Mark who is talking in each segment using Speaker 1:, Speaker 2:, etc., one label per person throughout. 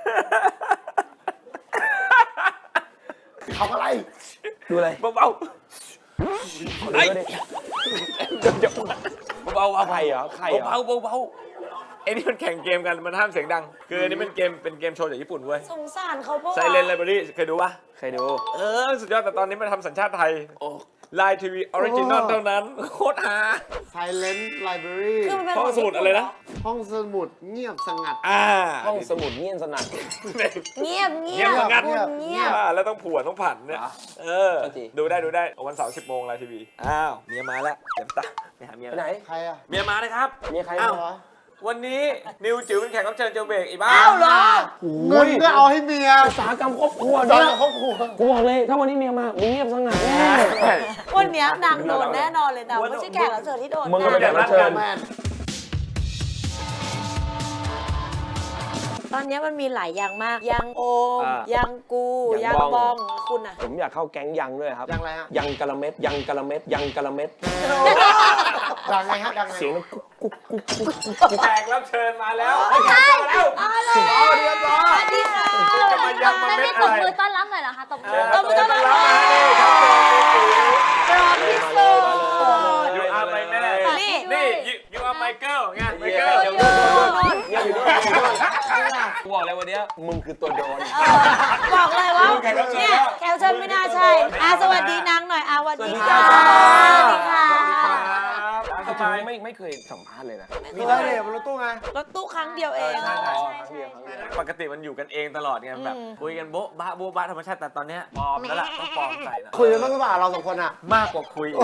Speaker 1: ทำอะไร
Speaker 2: ดูอะไร
Speaker 3: เบา
Speaker 2: ๆไอ้เบาๆอะไรเหรอใครเหรอ
Speaker 3: เบาไอ้นี่มันแข่งเกมกันมันห้ามเสียงดังคืออันนี้เป็นเกมโชว์จากญี่ปุ่นเว้ย
Speaker 4: สงสารเขาปะวะ
Speaker 3: Silent Library เคยดูปะ
Speaker 2: ใครดู
Speaker 3: สุดยอดแต่ตอนนี้มันทำสัญชาติไทยไลน์ทีวีออริจินอลเท่านั้นโคตรฮา
Speaker 1: Silent Library
Speaker 4: คือมันเป็น
Speaker 3: ห้องสมุดอะไรนะ
Speaker 1: ห้องสมุดเงียบสงัด
Speaker 2: ห้องสมุดเงียบสนั่น
Speaker 4: เงียบ
Speaker 3: เงียบงัด
Speaker 4: เงียบ
Speaker 3: แล้วต้องผัวต้องผันเนี่ยดูได้วันเสาร์10 โมงไลน์ทีวีเมียมาแล้วเต็มตาไปหาเมีย
Speaker 2: ไปไหน
Speaker 1: ใครอะ
Speaker 3: เมียมาเลยครับ
Speaker 2: มีใคร
Speaker 1: เหรอ
Speaker 3: วันนี้นิวจิ๋วเป็นแขกรับเชิญเจลเบรกอีบ้า
Speaker 4: อ้าวเหรอ
Speaker 1: เงินก็เอาให้เมีย
Speaker 2: อุตสาหกรรมครอบครัว
Speaker 1: ตอน
Speaker 2: เนี่ย
Speaker 1: ครอบครัว
Speaker 2: กูบอกเลยถ้าวันนี้เมียมามึงเงียบสงัดแน่
Speaker 4: วันเนี้ยนางโดนแน่นอนเลยนะไม่ใช่แขกรับเชิญที่โดน
Speaker 2: มึงก็ไม่ได้รับเชิญ
Speaker 1: แมน
Speaker 4: ตอนเนี้ยมันมีหลายอย่างมากยังโอม ยังกู
Speaker 2: ยั
Speaker 4: ยัง ง
Speaker 2: บบ อ
Speaker 4: อง งคุณอะ
Speaker 2: ผมอยากเข้าแก๊งยังด้วยครับ
Speaker 1: ดังอะไรฮะ
Speaker 2: ยังกะละเม็ดยังกะละเม็ดยังกะละเม็ด
Speaker 1: ดังไงฮะดังไง
Speaker 2: เสียงมันกุ๊กกุ๊กกุ๊กกุ๊กกุ๊ก
Speaker 3: แขกรับเชิญมาแล้วแขกรับเชิญมาแล้ว
Speaker 4: สวัสดีค่ะ
Speaker 3: จะมายังมาเม็ด
Speaker 5: ต
Speaker 3: อะ
Speaker 5: บ
Speaker 3: ไร
Speaker 5: มือต้อนรับหน่อยเหรอคะตบมือ
Speaker 4: ตบมือต้อนรับ
Speaker 3: มาเลยครับ
Speaker 4: พร้อมที่สุด
Speaker 3: ยูอาร์ไมแม่
Speaker 4: นี่
Speaker 3: ยูอาร์ไมเคิลไงไมเคิล
Speaker 2: เงียบอยู่ด้วยกูบอกเลยวันนี้มึงคือตัวโดน
Speaker 4: บอกเลยว่าเนี่ยแขกรับเชิญไม่น่าใช่สวัสดีนางหน่อยสวัสดีค่ะสวัสดีค่ะ
Speaker 3: สบาย
Speaker 2: ไม่เคยสัมภาษณ์เลยนะ
Speaker 1: มีอะไรเนี่ยบนรถตู้ไง
Speaker 4: รถตู้ครั้งเดียวเอง
Speaker 3: ปกติมันอยู่กันเองตลอดไงแบบคุยกันโบ๊ะบ้าธรรมชาติแต่ตอนเนี้ยปลอมแล้วล่ะต้องปลอมใส่นะ
Speaker 1: คุยกันบ้างหรือเปล่าเราสองคนอะ
Speaker 3: มากกว่าคุย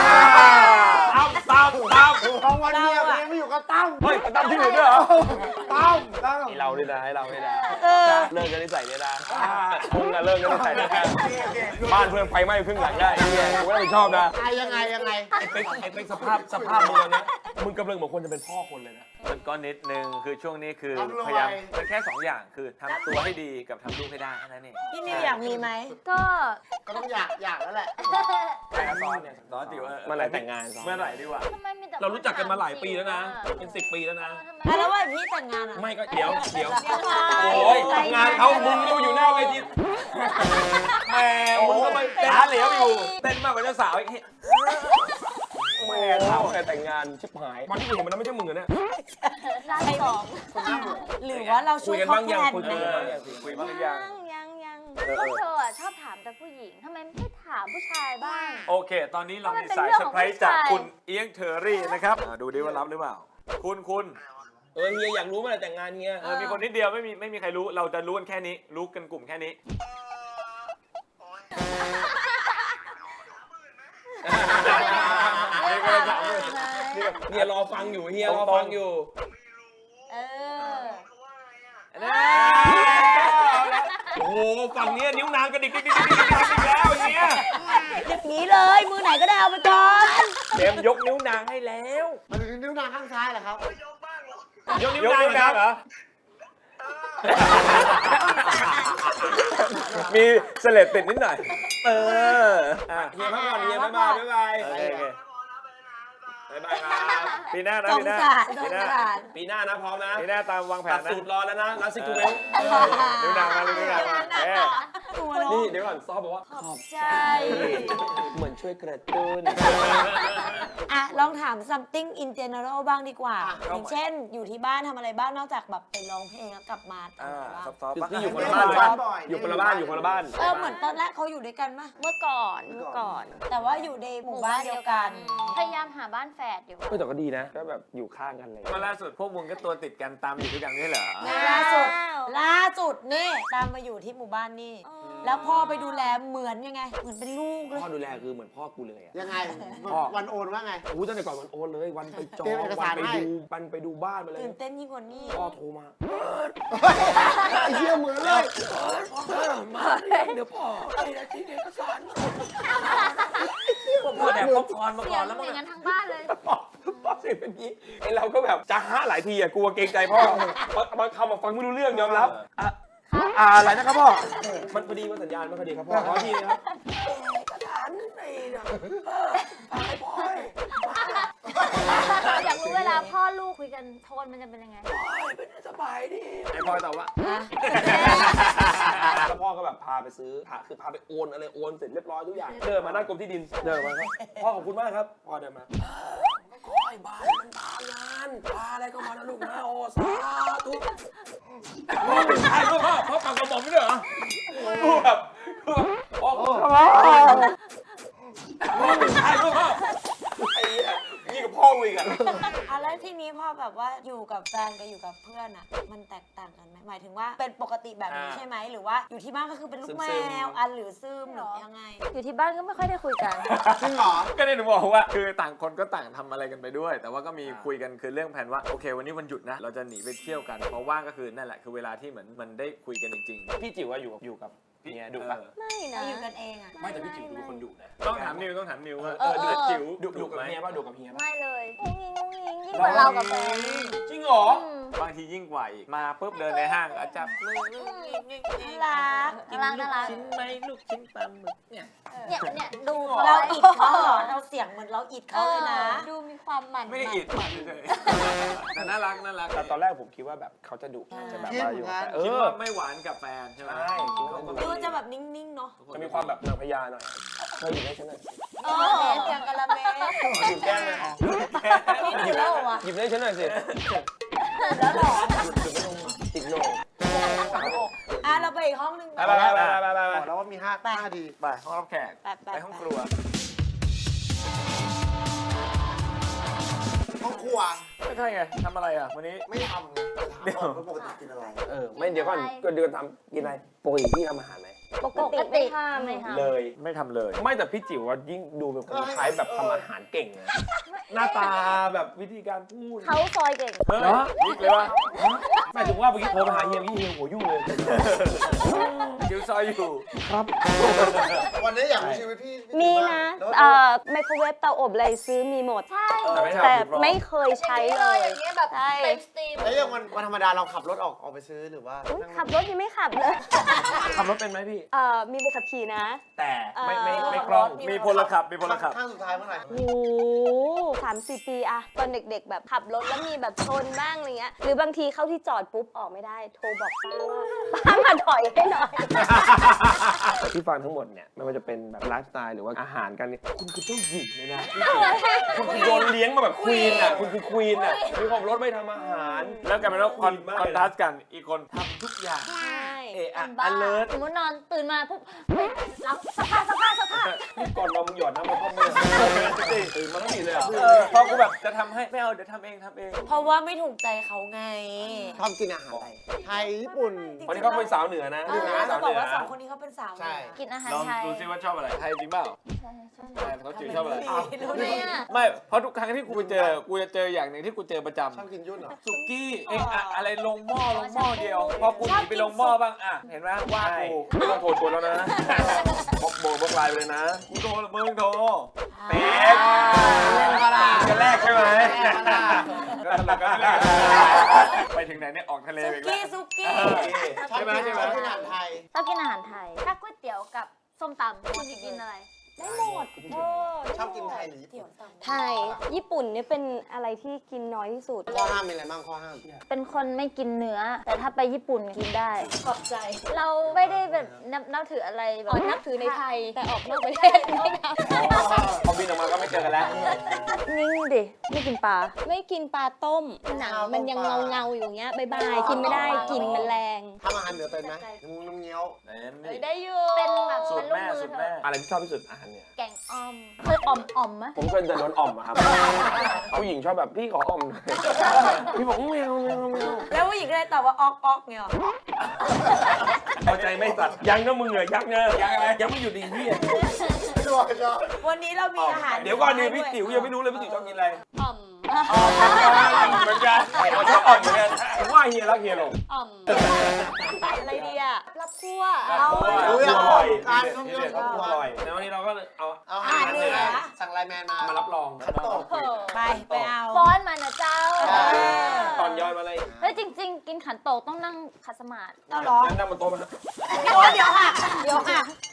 Speaker 3: ตั้ม
Speaker 1: บางวันเนี่ยยังไม่อยู่กับตั้ม
Speaker 3: เฮ้ยตั้มที่อื่นด้วยเหรอ
Speaker 1: ตั้ม
Speaker 2: ให้เราด้วยนะให้เราด้วยนะเลิกกันนิสัยเนี่ยนะมึงอะเลิกกันนิสัยเนี่ยบ้านเพื่อนไฟไหม้ครึ่งหลังได้เนี่ยกูไม่รับผิดชอบนะ
Speaker 1: ยังไง
Speaker 2: ไอ้เป็กสภาพมึงนะมึงกำลังเหมือนคนจะเป็นพ่อคนเลยนะ
Speaker 3: มันก็นิดนึงคือช่วงนี้คือพยายามมันแค่2 อย่างคือทำตัวให้ดีกับทำลูกให้ได้แค่นั้นเอง
Speaker 4: พี่นิวอยากมีไหม
Speaker 5: ก็
Speaker 1: ก็ต้องอยากแล้วแหละ
Speaker 3: แต่ซ้อนเนี่ยซ้อนจิ๋ว
Speaker 2: เมื่อไหร่แต่งงาน
Speaker 3: เมื่อไหร่ดีกว่า
Speaker 5: ทำไมมีแต่
Speaker 2: เรารู้จักกันมาหลายปีแล้วนะเป็น10 ปีแล้วนะ
Speaker 4: แล้วว่าพี่แต่งงานอะ
Speaker 2: ไม่ก็เดี๋ยว
Speaker 4: โอ้
Speaker 2: โอ้ยงานเขามึงก็อยู่หน้าเวที
Speaker 3: แหมมึงก็ไปขาเหลวอยู่เต้นมากกว่าเจ้าสาวอีก
Speaker 2: แม่เขาแต่แต่งงานชิบหายวันที่กูเห็นมันไม่ใช่มึงเหรอเนี่ย
Speaker 5: ร้านสอง
Speaker 4: หรือว่าเราช่วยเขาแทน
Speaker 2: คุย
Speaker 4: ไหม
Speaker 2: กันบ้างยัง
Speaker 3: คุยบ้างหรือยัง
Speaker 5: ยังพวกเธอชอบถามแต่ผู้หญิงทำไมไม่ถามผู้ชายบ้าง
Speaker 3: โอเค ตอนนี้เรามีสายเซอร์ไพรส์จากคุณเอียงเทอรี่นะครับดูดิว่ารับหรือเปล่าคุณ
Speaker 2: เฮียอยากรู้เมื่อไหร่แต่งงานเฮีย
Speaker 3: มีคนนิดเดียวไม่มีใครรู้เราจะรู้กันแค่นี้รู้กันกลุ่มแค่นี้
Speaker 2: เฮียรอฟังอยู่เฮียรอฟังอยู่
Speaker 5: เออ
Speaker 2: โอ้โหฝั่งนี้นิ้วนางกระดิกดิกแล้วเฮีย
Speaker 4: อย่างนี้เลยมือไหนก็ได้เอาไปก่อน
Speaker 3: เตรียมยกนิ้วนางให้แล้ว
Speaker 1: มันถึงนิ้วนางข้างซ้ายเหรอครับ
Speaker 3: ยกนิ้วนางเหรอมีเสลดติดนิดหน่อย
Speaker 2: เฮียพักผ่อนเฮียบ๊ายบาย
Speaker 3: โอเคบ๊ายบายครับปีหน้านะ
Speaker 4: สง
Speaker 3: ปีหน้า
Speaker 4: สารสงสาร
Speaker 2: ปีหน้านะพร้อมนะ
Speaker 3: ปีหน้าตามวางแผ
Speaker 2: ตั
Speaker 3: น
Speaker 2: ด
Speaker 3: นะ
Speaker 2: สูตรรอแล้วนะรัสซิคูเวล
Speaker 3: นิ้วนางมานิ้วนางมา
Speaker 2: นี่เดี๋ยวก่อนซอบอกว่าขอบ
Speaker 4: ใจ
Speaker 2: เหมือนช่วยกระตุ้น
Speaker 4: ลองถาม something in general บ้างดีกว่า อย่างเช่นอยู่ที่บ้านทำอะไรบ้างนอกจากแบบไปร้องเพลงแล้วกลับมาทำอะไรบ้าง
Speaker 3: ซอฟต์
Speaker 2: ที่อยู่คนละบ้านป่ะอยู่คนละบ้านอยู่คนละบ้าน
Speaker 4: เหมือนตอนแรกเขาอยู่ด้วยกันปะ
Speaker 5: เมื่อก่อน
Speaker 4: แต่ว่าอยู่ในหมู่บ้านเดียวกัน
Speaker 5: พยายามหาบ้านแฝดอยู่
Speaker 2: แต่ก็ดีนะก็แบบอยู่ข้างกันเลย
Speaker 3: มาล่าสุดพวกมึงก็ตัวติดกันตามอยู่ด้วยกันนี่เหรอ
Speaker 4: ล่าสุดนี่ตามมาอยู่ที่หมู่บ้านนี่ แล้วพ่อไปดูแลเหมือนยังไง เหมือนเป็นลูกเลย
Speaker 2: พ่อดูแลคือเหมือนพ่อกูเลยอะ
Speaker 1: ยังไงวันโอนว่าไง
Speaker 2: ตั้งแต่ก่อนวันโอนเลยวันไปจอง
Speaker 1: เตรียมเอก
Speaker 2: วั
Speaker 1: สาร
Speaker 2: นไป
Speaker 1: ให้
Speaker 2: ดูวันไปดูบ้านไปเลย
Speaker 4: ตื่นเต้นยิ่งกว่านี้
Speaker 2: พ่อโทรมา
Speaker 1: ไอ้เหี้ยเหมือนเลย
Speaker 2: มาเดี๋ยวพ่อไอ้ที่เอกสาร
Speaker 3: พวกพ่อแดกป๊อปคอร์นมา
Speaker 5: เสี
Speaker 3: ก่
Speaker 5: ย
Speaker 3: อง นแล้ว
Speaker 5: เห
Speaker 3: มึ
Speaker 5: มื
Speaker 3: ง
Speaker 5: อนกันทั้งบ้านเลย
Speaker 2: พ่อเสียงเป็นนี้ไอเราก็แบบจะหาหลายทีอะกลัวเกรงใจพ่อบางคำฟังไม่รู้เรื่องยอมรับอะไรนะครับพ่อมันพอดีมันสัญญาณไม่พอดีครับพ่อขอทีนะครับกระถางนึงในนะฟังให้พ่อ
Speaker 5: อยากรู้เวลาพ่อลูกคุยกันโทนมันจะเป็นยังไง
Speaker 2: เป็นสบายดี
Speaker 3: ไอ้พ่อตอบว่า
Speaker 4: เ
Speaker 2: พาไปซื้อคือพาไปโอนอะไรโอนเสร็จเรียบร้อยทุกอย่างเดินมาหน้ากรมที่ดินเดินมาครับพ่อขอบคุณมากครับพ่อเดินมาขอให้บ้านมันพางานพาอะไรก็มานะลูกนะโอ้สาธุพ่อเป็นใครพ่อปากกระบอกไม่ได้เหรอพ่อพ่อเป็นใครพ่อไอ้นี่กับพ่ออีกอ่ะ
Speaker 4: แล้วทีนี้พอแบบว่าอยู่กับแฟนกับอยู่กับเพื่อนอะมันแตกต่างกันไหมหมายถึงว่าเป็นปกติแบบนี้ใช่ไหมหรือว่าอยู่ที่บ้านก็คือเป็นลูกแมวอันหรือซึมหรือยังไง
Speaker 5: อยู่ที่บ้านก็ไม่ค่อยได้คุยกัน
Speaker 1: จริงเหรอ
Speaker 3: ก็เนี่ยหนูบอกว่าคือต่างคนก็ต่างทำอะไรกันไปด้วย แต่ว่าก็มีคุยกันคือเรื่องแผนว่าโอเควันนี้วันหยุดนะเราจะหนีไปเที่ยวกันเพราะว่างก็คือนั่นแหละคือเวลาที่เหมือนมันได้คุยกันจริงๆ
Speaker 2: พี่จิ๋วว่าอยู่กับพี่เนี่ยดุปะ
Speaker 5: ไม่นะ
Speaker 4: เราอยู่กันเองอะ
Speaker 2: ไม่แต่พี่จิ๋วดูคนดุนะ
Speaker 3: ต้องถามนิวว่าดุจิ๋ว
Speaker 2: ดุกับเมียป่ะดุกับเมียป่ะ
Speaker 5: ไม่เลยงุ้งงิ้งยิ่งกว่าเรากับแฟน
Speaker 2: จริงเหรอ
Speaker 3: บางทียิ่งกว่าอีกมาปุ๊บเดินในห้างอาจับมือ
Speaker 4: น่ารัก
Speaker 5: น่ารัก
Speaker 3: ชิ้นไหมลูกชิ้นปลาหมึกเนี่ย
Speaker 5: เนี่ยดูเขา
Speaker 4: เราอิดเขาเหรอเราเสียงเหมือนเราอิดเขาเลยนะ
Speaker 5: ดูมีความหมั่น
Speaker 3: ไม่ได้อิดเฉยแต่น่ารัก
Speaker 2: แต่ตอนแรกผมคิดว่าแบบเขาจะดุจะแบบว่าอยู่กับแฟน
Speaker 3: คิดว่าไม่หวานกับแฟนใช่ไหม
Speaker 2: ใช่คิดว่า
Speaker 4: ดูจะแบบนิ่งๆเนาะ
Speaker 2: จะมีความแบบนางพญาหน่อยเธออยู่ได้ฉันหน่อย
Speaker 4: เออเสียงกะละเม
Speaker 2: หยิบแก้มเลย
Speaker 4: นี่อยู่แล้วเหรอวะ
Speaker 2: หยิบได้ฉันหน่อยสิ
Speaker 4: แล้วเหรอ
Speaker 2: ติดโหนก
Speaker 4: เราไปอีกห้องนึง
Speaker 2: ไป
Speaker 1: บอกแล้วว่ามี5ดี
Speaker 3: ไปห้องรับแขกไปห้องครัว
Speaker 1: ห้องครัว
Speaker 3: ไม่ใช่ไงทำอะไรอ่ะวันนี้
Speaker 1: ไม่ทำไงถามก่อนว่าปกติกินอะไร
Speaker 2: ไม่เดี๋ยวก่อนก็เดือนทำกินอะไรปกติพี่ทำอาหารไหม
Speaker 5: ปกติไม่ทำไม่ทำ
Speaker 2: เลย
Speaker 3: ไม่ทำเลย
Speaker 2: ไม่แต่พี่จิ๋วว่ายิ่งดูเป็นคนคล้ายแบบทำอาหารเก่งนะหน้าตาแบบวิธีการพูด
Speaker 5: เขาซอยเก่ง
Speaker 3: เฮ้ยนิกเลยวะ
Speaker 2: หมายถึงว่าเมื่อกี้โทรมาหาเฮียพี่เฮียหัวยุ่งเลย
Speaker 3: จิ๋วซอยอยู่
Speaker 2: ครับ
Speaker 1: วันนี้อยากรู้ชีวิตพี่
Speaker 6: มีนะ
Speaker 1: แล้ว
Speaker 6: ไมโครเวฟเตาอบอะไรซื้อมีหมด
Speaker 5: ใช่
Speaker 6: แต่ไม่เคยใช้เลย
Speaker 5: อย่างเงี้ยแบบ
Speaker 6: ใช่
Speaker 5: เป็นสตรีม
Speaker 1: แล้วอย่างวันธรรมดาเราขับรถออกไปซื้อหรือว่า
Speaker 6: อุ๊ยขับรถยังไม่ขับเลย
Speaker 2: ขับรถเป็นไหมพี่
Speaker 6: มีใบขับขี่นะ
Speaker 2: แต่ไม่
Speaker 6: เออ
Speaker 2: ไม่คล่อง
Speaker 3: มีพลขับมีพลขับ
Speaker 1: ข้างสุดท้ายเมื่อไหร่
Speaker 6: โอ้3-4 ปีอะตอนเด็กๆ แบบขับรถแล้วมีแบบชนบ้างอะไรเงี้ย หรือบางทีเข้าที่จอดปุ๊บออกไม่ได้ โทรบอกป้าว่าป้ามาถอยให้หน่อย
Speaker 2: ที่ฟังทั้งหมดเนี่ยไม่ว่าจะเป็นแบบไลฟ์สไตล์หรือว่าอาหารกันเนี่ยคุณคือเจ้าหญิงเลยนะคุณคือโดนเลี้ยงมาแบบควีนอ่ะคุณคือควีนอ่ะมีความรถไม่ทำอาหาร
Speaker 3: แล้วกลายเป็นว่าคอน
Speaker 2: มากเลยนะ
Speaker 3: ทราสต์กันอีกคนทำทุกอย่าง
Speaker 6: ใช่
Speaker 3: เอะอะ
Speaker 5: บ้า
Speaker 3: alert
Speaker 5: สมมตินอนตื่นมาปุ๊บเฮ้ยรับสภาพ
Speaker 2: นี่ก่อนนอนมึงหยอดน้ำมาพ่อแม่ตื่นมาต้องดีเลยอ่ะ
Speaker 3: พอกูแบบจะทำให้ไม่เอาเดี๋ยวทำเอง
Speaker 4: เพราะว่าไม่ถูกใจเขาไง
Speaker 1: ชอบกินอาหารอะไรไทยญี่ปุ่น
Speaker 2: วันนี้เขาเป็นสาวเหนือนะ
Speaker 4: จะบอกว่าสองคนนี้เขาเป็นสาว
Speaker 1: ใช่
Speaker 5: กินอาหาร
Speaker 3: ลอง
Speaker 5: ไทย
Speaker 3: ดูซิว่าชอบอะไรไทยจริงเปล่า
Speaker 5: ใช่ใช่
Speaker 3: ใช่เขาจืดชอบอะไร
Speaker 4: รู้ได้ไง
Speaker 3: ไม่เพราะทุกครั้งที่กูไปเจอกูจะเจออย่างหนึ่งที่กูเจอประจ
Speaker 1: ชอบกินยุ่นเหรอ
Speaker 3: ำสุกี้เอะอะอะไรลงหม้อเดียว พอกูหนีไปลงหม้อบ้างอ่ะเห็นไหมว่า
Speaker 2: ใช่
Speaker 3: กู
Speaker 2: ไม่ต้องโทรชวนแล้วนะบอกไลน์ไปเลยนะ
Speaker 3: กูโทรมึงโทร
Speaker 2: เป๊กจะแรกใช่ไหม
Speaker 3: ก็แรกไปถึงไหนเนี่ยออกทะเล
Speaker 4: ซุ
Speaker 3: ไปอีกแล้ว
Speaker 4: กี้ซุกี้
Speaker 1: ชอบกินอาหารไทย
Speaker 5: ชอบกินอาหารไทย ถ้าก๋วยเตี๋ยวกับส้มตำคุณจะกินอะไร
Speaker 6: ได้หมด
Speaker 1: ชอบกินไทยหรือญี่
Speaker 4: เดี๋ย
Speaker 1: ปุ่
Speaker 4: วน ตำ
Speaker 6: ไทย ญี่ปุ่นเนี่ยเป็นอะไรที่กินน้อยที่สุด
Speaker 1: ข้อห้ามมีอะไรบ้างข้อห้าม
Speaker 5: เป็นคนไม่กินเนื้อ แต่ถ้าไปญี่ปุ่นกินได้
Speaker 4: ขอบใจ
Speaker 5: เราไม่ได้แบบนับถืออะไรแบบ
Speaker 6: นับถือในไทย แต่ออกนอกประเทศไม่นับ
Speaker 2: พอบินออกมาก็ไม่เจอกันแล้ว
Speaker 5: นิ่งดิ ไม่กินปลา
Speaker 6: ไม่กินปลาต้ม หนังมันยังเงาอยู่อย่างเงี้ยบายบายกินไม่ได้กลินมันแรง
Speaker 1: ทำอาหารเหนือเป็นไหมน้ำเงี้ยว
Speaker 3: นี่
Speaker 6: ได้อยู่
Speaker 5: เป็นแบบ
Speaker 3: สูตร
Speaker 5: ลูก
Speaker 3: แม่
Speaker 5: มือ
Speaker 3: สูตร
Speaker 5: เธ
Speaker 3: แม่
Speaker 5: อ
Speaker 2: อะไรที่ชอบที่สุดอาหารเนี่ย
Speaker 5: แกงอ่อมเคยอ่อมไหม
Speaker 2: ผมเคยจะโดนอ่อมอะครับผู้หญิงชอบแบบพี่ขออ่อมหน่อยพี่บอกไม่เอา
Speaker 4: แล้วผู้หญิงก็เลยตอบว่าออกเนี่ยหรอ
Speaker 2: เอาใจไม่ตัดยังนะมึงเหรอยังนะยังอะไรยังไม่หยุดดีพี่
Speaker 1: ชอบชอบ
Speaker 4: วันนี้เรามีอาหาร
Speaker 2: เดี๋ยวก่อนนี่พี่ติ๋วยังไม่รู้เลยพี่ติ๋วชอบกินอะไร
Speaker 6: อ่อม
Speaker 2: เหมือนกันเราชอบอ่อมเหมือนกันผมว่าเฮียรักเฮียลง
Speaker 6: อ่อม อะไรดีอะรับคั่ว
Speaker 2: เอาอร่อยการต้องเยอะอร่อยแล้ววันนี้เราก็เอา
Speaker 1: เอาอาหารเหนือสั่งไลน์แมนมา
Speaker 2: มารับรอง
Speaker 1: ขันโตก
Speaker 4: ไปเอา
Speaker 5: ฟ้อนมานะเจ้า
Speaker 2: ตอนย้อนมาเลย
Speaker 5: เฮ้ยจริง ๆ กินขันโตกต้องนั่งขัดสมาธิ
Speaker 4: เอาเหรอ
Speaker 2: นั่งบนโต๊ะมา
Speaker 4: เดี๋ยวหัก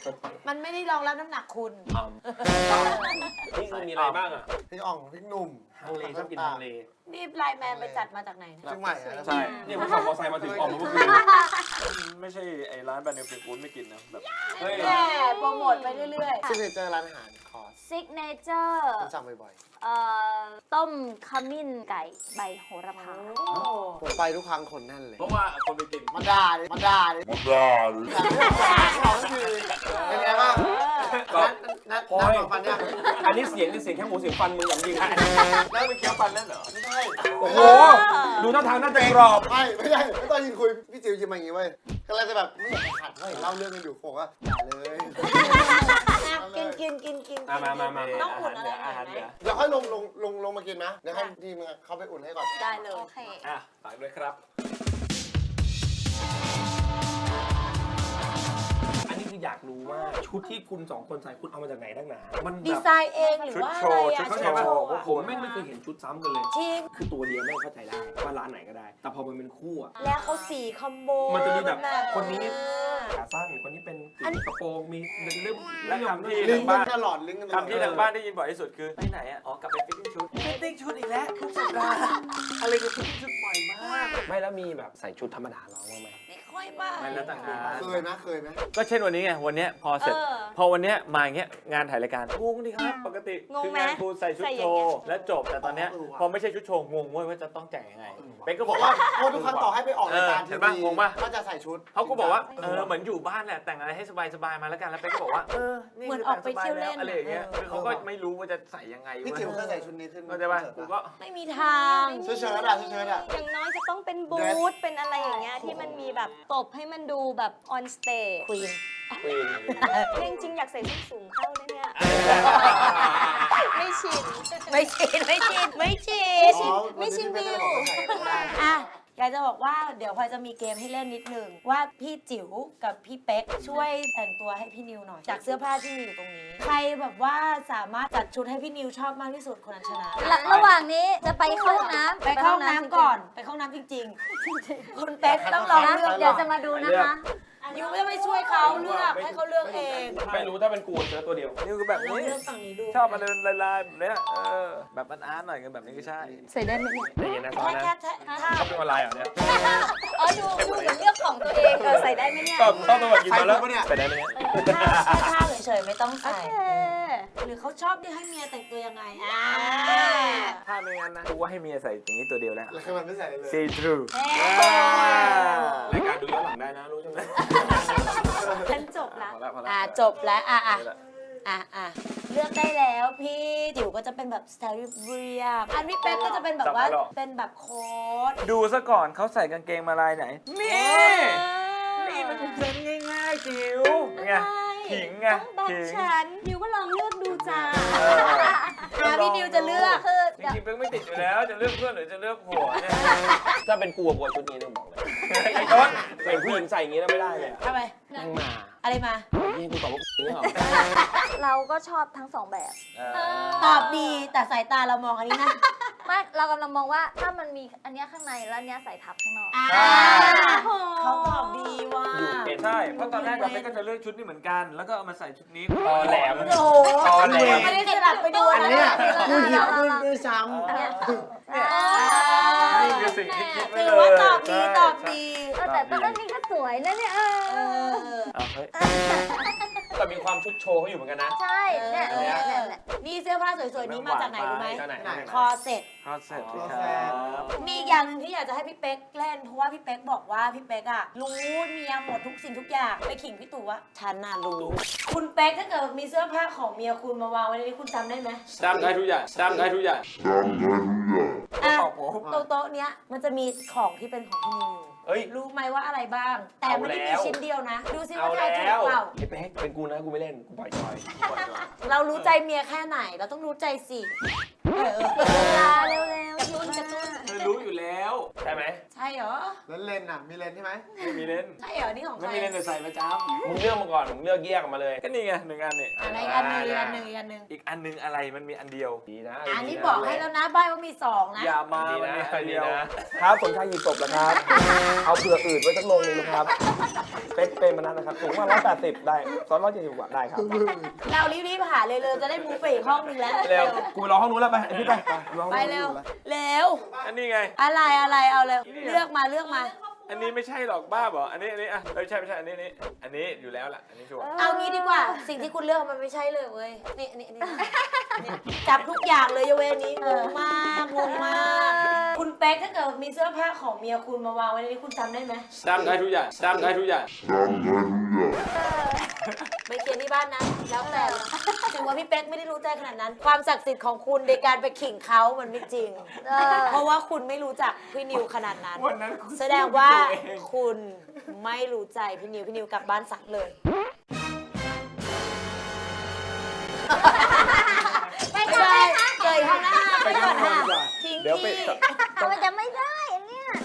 Speaker 4: มันไม่ได้รองรับน้ำหนักคุณ
Speaker 2: นี่คือมีอะไรบ้างอ่ะ
Speaker 1: พริกอ่องพริกหนุ่ม
Speaker 2: ทางเลชอบกินทางเล
Speaker 4: นี่ไลน์แมนไปจัดมาจากไหนนะ
Speaker 1: เชียงใหม่อะ
Speaker 3: ใช่
Speaker 2: เนี่ยผมขับมอเตอร์ไซค์มาถึงออกมาเมื่อคืน
Speaker 3: ไม่ใช่ไอ้ร้านแบรนด์เนมฟิลกูดไม่กินนะแบบ
Speaker 2: เฮ้ย
Speaker 4: แม่โปรโมทไปเรื่อย
Speaker 1: ซิกเนเจอร์ร้านอาหารคอร์ส
Speaker 5: ซิกเนเจอร์
Speaker 1: ผมสั่งบ่อย
Speaker 5: ต้มขมิ้นไก่ใบโหระพา
Speaker 1: ๆผมไปทุกครั้งคนแน่นเลย
Speaker 3: เพราะว่าคนไปกิน
Speaker 1: มาด่าดิมาด่าดิมาด่าดิเขาคือเป็นไงบ้างนัดของฟันยัง
Speaker 2: อันนี้เสียงนี่เสียงแค่หมูเสียงฟันมึงอย่างจริง
Speaker 3: แล้วไปเคี้ยวฟันนั่นเหรอ
Speaker 1: ไม่ใช่
Speaker 2: โอ้โห ดูท่าทางน่าจะกรอบ
Speaker 1: ไม่ใช่ไม่ตอนยินคุยพี่จิ๋วยิ้มมาอย่างงี้เว้ยก็เลยจะแบบไม่อยากขัดเว้ยเล่าเรื่องกันอยู่ผมว่าอย่าเลย
Speaker 4: ๆกินกิน
Speaker 2: มา
Speaker 4: ต้องอุ่นอะไรหน่อยไหม
Speaker 1: เดี๋ยวค่อยลงมากินนะเดี๋ยวให้ทีมเขาไปอุ่นให้ก่อน
Speaker 4: ได้เลย
Speaker 5: โอเค
Speaker 3: อ่ะฝากด้วยครับ
Speaker 2: อันนี้คืออยากรู้ว่าชุดที่คุณสองคนใส่คุณเอามาจากไหนตั้งหนามัน
Speaker 4: ดี
Speaker 2: แบบ
Speaker 4: ไซน์เองหรือว่าอะไรอะ
Speaker 3: ชุด
Speaker 2: เข้า
Speaker 3: โช
Speaker 2: ใจ
Speaker 3: ว์
Speaker 2: ป่ะผมไม่เคยเห็นชุดซ้ำกันเลย
Speaker 4: จริง
Speaker 2: คือตัวเดียวไม่เข้าใจได้ว่าร้านไหนก็ได้ แต่พอมันเป็นคู่อะ
Speaker 4: แล้วเขาสีคอมโบ
Speaker 2: มันจะมีแบบ
Speaker 4: เออ
Speaker 2: คนนี้ ขาสั้นคนนี้เป็นกระโปรงมีเรื่อง
Speaker 3: และคำที่
Speaker 1: ลิ
Speaker 3: ทาง ง
Speaker 1: ก์กั
Speaker 3: บ้าน น
Speaker 1: ตลอดลิงก์กันตลอด
Speaker 3: คำที่ทางบ้านได้ยินบ่อยที่สุดคือไปไหนอ่ะอ๋อกลับไปฟิตติ้งชุดฟิตติ้งชุดอีกแล้วทุกสัปดาห์อะไรคือฟิตติ้งชุดบ่อยมาก
Speaker 2: ไม่แล้วมีแบบใส่ชุดธรรมดาร้องบ้างไหม
Speaker 4: ไม่ค่อยบ้าง
Speaker 3: มันแล้วแต่งาน
Speaker 1: เคยไหม
Speaker 3: ก็เช่นวันนี้ไงวันเนี้ยพอเสร็จ พอวันเนี้ยมาอย่างเงี้ยงานถ่ายรายการงงดิครับปกติ
Speaker 6: งง
Speaker 3: คื
Speaker 6: ไหม
Speaker 3: งานครูใส่ชุด
Speaker 6: ใส่อ
Speaker 3: โช
Speaker 6: ย่างเงี้ย
Speaker 3: ว์และจบแต่ตอนเนี้ยพอไม่ใช่ชุดโชว์งงเว้ยว่าจะต้องแต่งยังไงเป๊กก็
Speaker 1: บบ อ
Speaker 3: อก ก
Speaker 1: ว่า
Speaker 3: ว่า
Speaker 1: โอ้ทุกครั้งต่อให้ไปออกรายการ
Speaker 3: เห็
Speaker 1: ที
Speaker 3: นปะ
Speaker 1: วี
Speaker 3: งงปะ
Speaker 1: ก็จะใส่ชุด
Speaker 3: เขาก็บอกว่าเหมือนอยู่บ้านแหละแต่งอะไรให้สบายๆมาแล้วกันแล้วเป๊กก็บอกว่านี่
Speaker 4: เหมือน
Speaker 3: คื
Speaker 4: ออกไปเที่ยวเล่น
Speaker 3: อะไรอย่างเงี้ยคือเขาก็ไม่รู้ว่าจะใส่ยังไง
Speaker 1: พี่
Speaker 3: เว้ย
Speaker 1: จิ๋วเคยใส่ชุดนี้ขึ้น
Speaker 3: เข้าใจป่ะกูก็
Speaker 4: ไม่มีทาง
Speaker 1: เชิ้ตอะเชิ้ตอะ
Speaker 6: อย่างน้อยจะต้องเป็นบูทเป็นอะไรอย่างเงี้ยที่มันมีแบบตบให้มันดูแบบออนสเตจ
Speaker 4: ควีน
Speaker 6: จริงๆอยากใส่ส้นสูงเข้าเลยเนี่ย ไม่ชิน
Speaker 4: ไม่ชินไม่ชินไม่ชิน
Speaker 6: ไม่ชินวิว
Speaker 4: อ่ะอยากจะบอกว่าเดี๋ยวพลอยจะมีเกมให้เล่นนิดนึงว่าพี่จิ๋วกับพี่เป๊กช่วยแต่งตัวให้พี่นิวหน่อย จากเสื้อผ้าที่มีอยู่ตรงนี้ ใครแบบว่าสามารถจัดชุดให้พี่นิวชอบมากที่สุดคนนั้นชนะ
Speaker 5: ระหว่างนี้จะไปเข้าห้องน้ำ
Speaker 4: ไปเข้าห้องน้ำก่อนไปเข้าห้องน้ำจริงๆคุณเป๊กต้องลองเลือก
Speaker 5: เดี๋ยวจะมาดูนะคะ
Speaker 4: ยูไม่ต้องไปช่วยเขาเลือกให้เขาเลือกเอง
Speaker 2: ไม่รู้ถ้าเป็นกูเจอตัวเดียว
Speaker 3: นี่คือแบบ
Speaker 4: ลอง
Speaker 3: นี้
Speaker 4: เลือกฝั่งนี้ดู
Speaker 3: ชอบมาเดินลายๆแบบเนี้ยแบบมันอาร์ตหน่อยกันแบบนี้ก็ใช่
Speaker 6: ใส่ได้ไหมเนี่ย
Speaker 2: ใจเย็นนะซ้อน
Speaker 4: แค่
Speaker 2: นะ
Speaker 4: แค่ถ้า
Speaker 2: เขาเป็นออนไลน์เหรอเนี่ย
Speaker 6: อ๋อดูเหมือนเลือกของตัวเองใส่ได้ไหมเนี่ย
Speaker 2: ชอบตัวแบบกินมาแล้วใส่ได้ไหมเนี่ย
Speaker 4: ท่าเฉยๆไม่ต้อง
Speaker 6: โอ
Speaker 4: ใส่
Speaker 6: เค
Speaker 4: หรือเขาชอบที่ให้เมียแต่งตัวยังไง
Speaker 3: ถ้าไม่งั้นนะกูว่าให้เมียใส่อย่างนี้ตัวเดียวแล้ว
Speaker 1: แล้วคือมันไม่ใส่เลย
Speaker 3: see through
Speaker 2: รายการดูย้อนหลังได้นะรู้ใช่ไหม
Speaker 6: ฉันจบละ
Speaker 3: พอแล้วพอแล้ว
Speaker 4: จบแล้วเลือกได้แล้วพี่จิ๋วก็จะเป็นแบบสไตล์เรียบอันพี่เป๊กก็จะเป็นแบบว่าเป็นแบบโค้ท
Speaker 3: ดูซะก่อนเขาใส่กางเกงมาลายไหน นี่มันเป็นเทรนด์ง่ายๆจิ๋วไงขิงไง
Speaker 6: ต้องแบบ
Speaker 3: ขิง
Speaker 6: ฉันนิวก็ลองเลือกดูจ้า
Speaker 4: พี่นิวจะเลือก
Speaker 6: คือ
Speaker 3: จริงๆเป๊กไม่ติดอยู่แล้วจะเลือกเพื่อนหรือจะเลือกผัวเนี่ย
Speaker 2: ถ้าเป็นกูกับชุดนี้ต้องบอกเลยไอ้ต้นใส่ผู้หญิงใส่อย่างนี้แล้วไม่ได้เลย
Speaker 4: ทำไม
Speaker 2: นั่งมา
Speaker 4: อะไรมา
Speaker 2: นี่กูตอบว่ากูนี่เหรอ
Speaker 5: เราก็ชอบทั้งสองแบบ
Speaker 4: ตอบดีแต่สายตาเรามองอันนี้นะ
Speaker 5: ไม่เรากำลังมองว่าถ้ามันมีอันเนี้ยข้างในแล้วอันเนี้ยใส่ทับข้างนอก
Speaker 4: เขาตอบดีว่ะ
Speaker 2: อยู่เป็น
Speaker 3: ใช่ เพราะตอนแรกเราเป๊กก็จะเลือกชุดนี้เหมือนกัน แล้วก็เอามาใส่ชุดนี้
Speaker 2: ตอแหลม
Speaker 4: โอ้โห
Speaker 2: ตอแหลม
Speaker 4: ไม่ได้สลับไปดู
Speaker 1: อัน
Speaker 4: นะ
Speaker 1: เนี้ย
Speaker 5: เออ
Speaker 1: กูหยิบขึ้นด้วยซ้
Speaker 3: นี่คือสิ่งที่คิดไว้
Speaker 4: ถื
Speaker 3: เล
Speaker 4: อย ว่าตอบดีตอบดี
Speaker 5: แต่ตอนนี้ก็สวยนะเนี่ย
Speaker 3: เอาเฮ้ย
Speaker 2: แต่มีความชุดโชว์เขาอยู่เหมือนกันนะ
Speaker 5: ใช่เนี่ยเนี่ยเนี่ยเนี่ย
Speaker 4: นี่เสื้อผ้าสวยๆนี้มาจากไหนรู้ไหม
Speaker 2: จากไหน
Speaker 4: คอเซ็ต
Speaker 3: ฮอตเสร็จ
Speaker 4: มีอีกอย่างหนึ่งที่อยากจะให้พี่เป๊กเล่นเพราะว่าพี่เป๊กบอกว่าพี่เป๊กอะรู้เมียหมดทุกสิ่งทุกอย่างไปขิงพี่ตู่ว่าฉันน่ะรู้ คุณเป๊กถ้าเกิดมีเสื้อผ้าของเมียคุณมาวางไว้ในนี้คุณจำได้ไหม
Speaker 3: จำได้ทุกอย่างจำได้ทุกอย่าง
Speaker 4: อ่ะ
Speaker 3: บอกผม
Speaker 4: โต๊ะเนี้ยมันจะมีของที่เป็นของพี่นิว
Speaker 2: เอ้ย
Speaker 4: รู้ไหมว่าอะไรบ้าง แต่ไม่ได้มี
Speaker 2: เอาแล้ว
Speaker 4: ชิ้นเดียวนะ ดูซิ
Speaker 2: เอา
Speaker 4: ว่าใคร
Speaker 2: แล้
Speaker 4: ถูก
Speaker 2: ว
Speaker 4: เปล่า
Speaker 2: ไอ้เป๊กเป็นกูนะกูไม่เล่นกูปล่อยจอย
Speaker 4: เรารู้ใจเมียแค่ไหน เราต้องรู้ใจสิเออ
Speaker 5: เวลาเร็วๆยุ่นกระตุ้น
Speaker 3: เธอรู้อยู่แล้ว
Speaker 2: ใช่ไหม
Speaker 4: ใช่เหรอ
Speaker 1: ำแล้วเลนอ่ะ มีเลนใช่ไหม
Speaker 3: ไม่มีเล่น
Speaker 4: ใช่เหรอ นี่ของใค
Speaker 3: ไม่
Speaker 4: ร
Speaker 3: มีเล่นแต่ใส่ประจ
Speaker 2: มึงเลือกมาก่อนมึงเลือกแยกออกมาเลย
Speaker 3: ำก็นี่ไงหนึ่งอันนี่
Speaker 4: อะไรอันหนึงอันหนึงอันหนึง
Speaker 3: อีกอันหนึงอะไรมันมีอันเดียว
Speaker 2: ดีนะ
Speaker 4: อันนี้บอกให้แล้วนะใบว่ามีสองนะ
Speaker 3: อย่ามา
Speaker 2: ดี
Speaker 3: มัน
Speaker 2: นะ
Speaker 3: มีอัน
Speaker 2: ดี
Speaker 3: เดียว
Speaker 2: นะครับสมชายหยิบศพแล้วครับ เอาเผื่ออืดไว้สักลงหนึงนะครับเป็นมานั้นนะครับสูงประมาณ180ได้170กว่าได้ครับ
Speaker 4: เรารีบๆหาเลยจะได้มูฟไปอีกห้องหนึงแล้ว
Speaker 2: เร็วกูรอห้องนู้นแล้วไปไอ้พี่ไปรอห้อง
Speaker 4: ไป
Speaker 2: นู้น
Speaker 4: เร็ว
Speaker 3: อันนี้ไง
Speaker 4: อะไรเอาเลยเลือกมา
Speaker 3: อันนี้ไม่ใช่หรอกบ้าเหรออันนี้อ่ะไม่ใช่อันนี้อยู่แล้วล่ะอันนี้ชัวร์
Speaker 4: เอางี้ดีกว่า สิ่งที่คุณเลือกมันไม่ใช่เลยเว้ยนี่จับทุกอย่างเลยยกเว้นอันนี้งงมากคุณเป๊กถ้าเกิดมีเสื้อผ้าของเมียคุณมาวางไว้ในนี้คุณจำได้ไหม
Speaker 3: จำได้ทุกอย่าง
Speaker 4: ไปเคลียร์ที่บ้านนะแล้วแต่ถึงว่าพี่เป๊กไม่ได้รู้ใจขนาดนั้น ความศักดิ์สิทธิ์ของคุณในการไปขิงเขามันไม่จริง เพราะว่าคุณไม่รู้จักพี่นิวขนาดนั้น
Speaker 3: วันนั้นคุณ
Speaker 4: แสดงว่าคุณไม่รู้ใจพี่นิวกลับบ้านสักเลย
Speaker 5: ไปค่ะ
Speaker 4: เจอข้างหน้าไปก่อนค่ะทิ้ง
Speaker 3: เดี๋ยวไป
Speaker 4: ที่
Speaker 5: แต่มันจะไม่ได้อันเนี้ย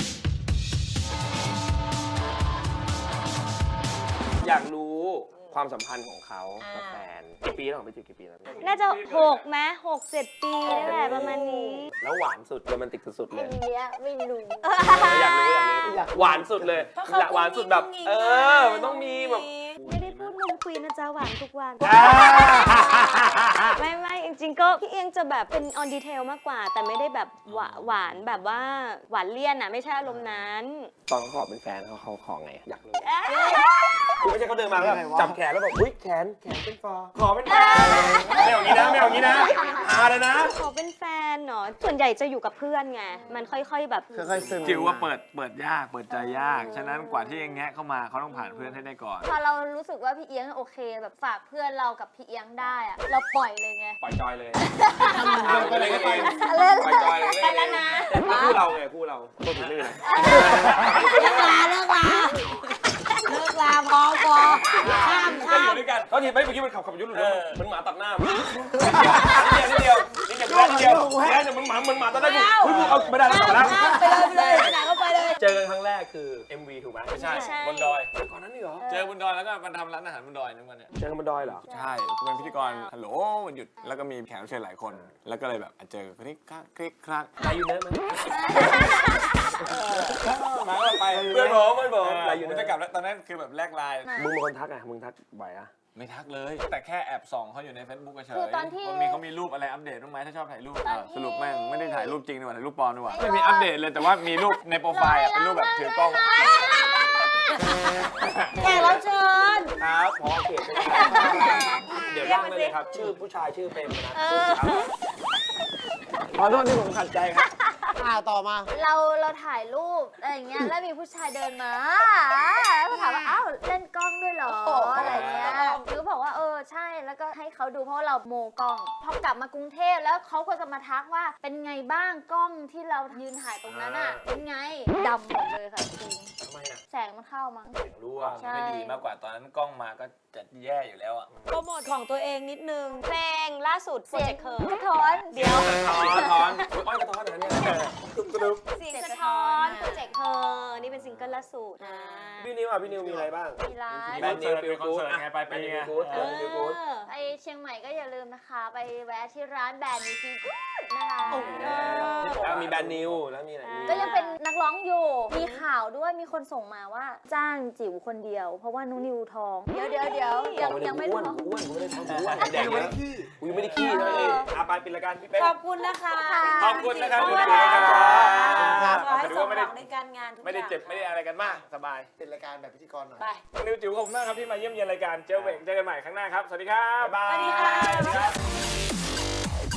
Speaker 2: อยากรู้ความสัมพันธ์ของเขากับแฟนกี่ปีแล้วไปจีบกี่ปีแล้ว
Speaker 6: น่าจะ6ไหม6-7 ปีนี่แหละประมาณนี้
Speaker 2: แล้วหวานสุดโรแมนติกสุดๆเล
Speaker 5: อั
Speaker 2: ย
Speaker 5: นเนี้ยไม่รู้
Speaker 2: อยากรู้หวานสุดเลยหวานสุดแบบมันต้องมีแบบ
Speaker 6: ไม่ได้พูดนมควีนนะจ๊ะหวานทุกวัน ไม่จริงๆก็พี่เอียงจะแบบเป็นออนดีเทลมากกว่า แต่ไม่ได้แบบหวานแบบว่าหวานเลี่ยนอ่ะไม่ใช่อารมณ์นั้น
Speaker 2: ตอนเขาขอเป็นแฟนเขาขอไงอยากรู้คือไม่ใช่เขาเดินมาแล้วแบบจับแขนแล้วแบบอุ้ยแขนเป็นฟอขอเป็นแฟนไม่เอางี้นะหาเลยนะ
Speaker 6: ขอเป็นแฟนเนาะส่วนใหญ่จะอยู่กับเพื่อนไงมันค่อยๆแบบ
Speaker 1: ค่อยๆซึม
Speaker 3: จิ๋วว่าเปิดยากเปิดใจยาก ฉะนั้นกว่าที่จะแงะเข้ามาเขาต้องผ่านเพื่อนให้ได้ก่อน
Speaker 5: พอเรารู้สึกว่าพี่เอียงโอเคแบบฝากเพื่อนเรากับพี่เอียงได้อะเราปล่อยเลยไง
Speaker 2: ปล่อยจอยเลย
Speaker 1: ไปไหนก็ไป
Speaker 3: ปล่อยจอยเลย
Speaker 4: ไปแล้วนะ
Speaker 2: คู่เราไงคู่เราตัวถึงลื่น
Speaker 4: เลิกลาพอข้าม
Speaker 2: ก็อยู่ด้วยกันเขาทีไปเมื่อกี้มันขับยุทธ์หลุดมันหมาตัดหน้านิดเดียวเนี่ยมันหมาตัดหน้ากูเอาไม่ได้แล้ว
Speaker 4: ไปเลยไหนก็ไปเลย
Speaker 2: เจอกันครั้งแรกคือ MV ถูกไหม
Speaker 3: ไม่ใช่
Speaker 6: ไม่ใช่
Speaker 3: บนดอย
Speaker 2: ก่อนนั้นนี่เหรอ
Speaker 3: เจอบนดอยแล้วก็มันทำร้านอาหารบนดอยนึกวันเนี่ย
Speaker 2: เจอกันบนดอยเหรอ
Speaker 3: ใช่เป็นพิธีกรฮัลโหลวันหยุดแล้วก็มีแขกรับเชิญหลายคน แล้วก็เลยแบบเจอคลิกคลัก
Speaker 2: ใจอยู่เนอะมั้ย
Speaker 3: มาก็ไป
Speaker 2: เพื่อนผม
Speaker 3: อะไรอยู่จะกลับแล้วตอนนั้นคือแบบแลกไลน์
Speaker 2: มึงเป็นคนทักมึงทักบ่อยอะ
Speaker 3: ไม่ทักเลย แต่แค่แอบส่องเขาอยู่ใน Facebook เฉย
Speaker 5: คือตอนที่
Speaker 3: เขามีรูปอะไรอัปเดตบ้างไหมถ้าชอบถ่ายรูป
Speaker 5: ตอนที่
Speaker 3: สรุปแม่งไม่ได้ถ่ายรูปจริงดีกว่าถ่ายรูปปลอมดีกว่าไม่มีอัปเดตเลยแต่ว่ามีรูปในโปรไฟล์เป็นรูปแบบถือกล้อง
Speaker 4: แขกรับเชิญ
Speaker 2: ครับพอเขตเดี๋ยวย่างไปเลยครับชื่อผู้ชายชื่อเป็นนะขอโทษที่ผมขัดใจครับ
Speaker 1: ต่อมา
Speaker 5: เราถ่ายรูปอะไรอย่างเงี้ยแล้วมีผู้ชายเดินมาแล้วก็ถามว่าอ้าวเล่นกล้องด้วยเหรออะไรเงี้ยหรือบอกว่าใช่แล้วก็ให้เขาดูเพราะว่าเราโมกล้องพอกลับมากรุงเทพแล้วเขาก็จะมาทักว่าเป็นไงบ้างกล้องที่เรายืนถ่ายตรงนั้นอ่ะเป็นไงดำหมดเลยค่ะจริง
Speaker 3: ทำไมอ่ะ
Speaker 5: แสงมันเข้ามั้ง
Speaker 3: เสียงรั่ว
Speaker 5: ใช่
Speaker 3: ไม่ดีมากกว่าตอนนั้นกล้องมาก็จะแย่อยู่แล้วอ่ะ
Speaker 4: โปรโมทของตัวเองนิดนึง
Speaker 6: เพลงล่าสุดโปร
Speaker 5: เสีย
Speaker 6: เจ
Speaker 5: ง
Speaker 6: กต์เคิ
Speaker 5: กระท้อน
Speaker 6: เดี๋ยว
Speaker 2: อ้อยกระท้อนนะเนี่ย
Speaker 6: เสียงสะท้อนโปรเจกต์เธอนี่เป็นซิงเกิลล่าสุดนะ
Speaker 2: พี่นิวมีอะไรบ้าง
Speaker 5: มีไลฟ์
Speaker 3: แบนด์นิวฟิลกู๊ดไงไปไง
Speaker 5: ไปเชียงใหม่ก็อย่าลืมนะคะ ไปแวะที่ร้านแบรนด์นิวฟิลกู๊ดนะคะ
Speaker 2: แล้วมีแบนนิวแล้วมีอะไร
Speaker 5: ก็ยังเป็นนักร้องอยู่ มีข่าวด้วยมีคนส่งมาว่าจ้างจิ๋วคนเดียว เพราะว่านุ้นิวท้อง เดี๋ยวยังไม่ท้อง
Speaker 2: อ้วนไม่ได้ท้องอ้วนแดงเลยกูยังไม่ได้ขี้เลยไปปิดรายการพี่เป๊ก
Speaker 4: ขอบคุณนะคะ
Speaker 3: ขอบคุณนะครับ
Speaker 4: ขอบคุณ
Speaker 3: ขอบคุณครั
Speaker 4: ค่ะ
Speaker 3: บ
Speaker 4: ขอให้
Speaker 3: ถื
Speaker 4: ส
Speaker 3: อ
Speaker 4: ม
Speaker 3: ว่า
Speaker 4: หวังในการงานทุกอย่าง
Speaker 3: ไม่ได้เจ็บไม่ได้อะไรกันมากสบาย
Speaker 1: เป็นรายการแบบพิธีกรหน่อย
Speaker 4: ไป
Speaker 3: นิวจิ๋วขอบคุณมากครับที่มาเยี่ยมเยียนรายการเจอเวกเจอกันใหม่ครั้งหน้าครับ สวัสดีครับ
Speaker 2: บ๊ายบาย
Speaker 4: สวัสดีค่ะ